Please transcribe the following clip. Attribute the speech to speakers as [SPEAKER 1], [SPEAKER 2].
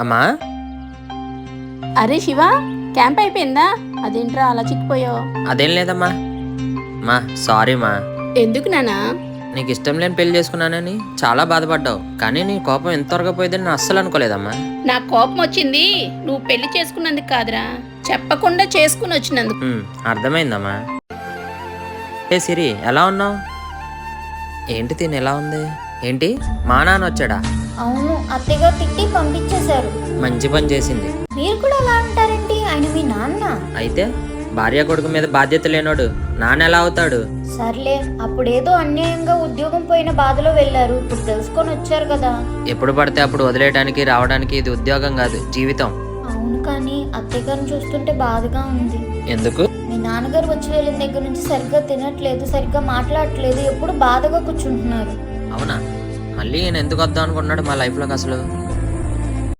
[SPEAKER 1] అమ్మా.
[SPEAKER 2] అరే శివ, క్యాంప్ అయిపోయిందా? అదేంట్రా అలా చిక్కిపోయావు?
[SPEAKER 1] అదేం లేదమ్మా. మా సారీ మా.
[SPEAKER 2] ఎందుకు నానా?
[SPEAKER 1] నీకు ఇష్టం లేని పెళ్లి చేసుకున్నానని చాలా బాధపడ్డావు, కానీ నీ కోపం ఎంత త్వరగా పోయిందని నేను అస్సలు అనుకోలేదమ్మా.
[SPEAKER 2] నా కోపం వచ్చింది నువ్వు పెళ్లి చేసుకున్నందుకు కాదురా, చెప్పకుండా చేసుకుని వచ్చినందుకు.
[SPEAKER 1] అర్థమైందమ్మా. ఏ సిరి, ఎలా ఉన్నావు? ఏంటి తిని ఎలా ఉంది? ఏంటి మా నాన్న వచ్చాడా?
[SPEAKER 3] అవును, అత్తయ్య తిట్టి పంపించేశారు.
[SPEAKER 1] మంచి పని చేసింది.
[SPEAKER 3] మీరు కూడా అలా అంటారేంటి? ఆయన మీ నాన్న.
[SPEAKER 1] అయితే భార్య కొడుకు మీద బాధ్యత లేనోడు నాన్న ఎలా అవుతాడు?
[SPEAKER 3] సర్లే, అప్పుడేదో అన్యాయంగా ఉద్యోగం పోయిన బాధలో వెళ్ళారు, ఇప్పుడు తెలుసుకొని వచ్చారు కదా.
[SPEAKER 1] ఎప్పుడు పడితే అప్పుడు వదిలేయడానికి రావడానికి ఇది ఉద్యోగం కాదు, జీవితం.
[SPEAKER 3] అవును, కానీ అత్తయ్య గారిని చూస్తుంటే బాధగా ఉంది.
[SPEAKER 1] ఎందుకు?
[SPEAKER 3] మీ నాన్నగారు వచ్చి వెళ్ళిన దగ్గర నుంచి సరిగ్గా తినట్లేదు, సరిగ్గా మాట్లాడట్లేదు, ఎప్పుడు బాధగా కూర్చుంటున్నారు.
[SPEAKER 1] అవునా? మళ్ళీ ఈయన ఎందుకు వద్దాం అనుకున్నాడు మా లైఫ్లోకి అసలు?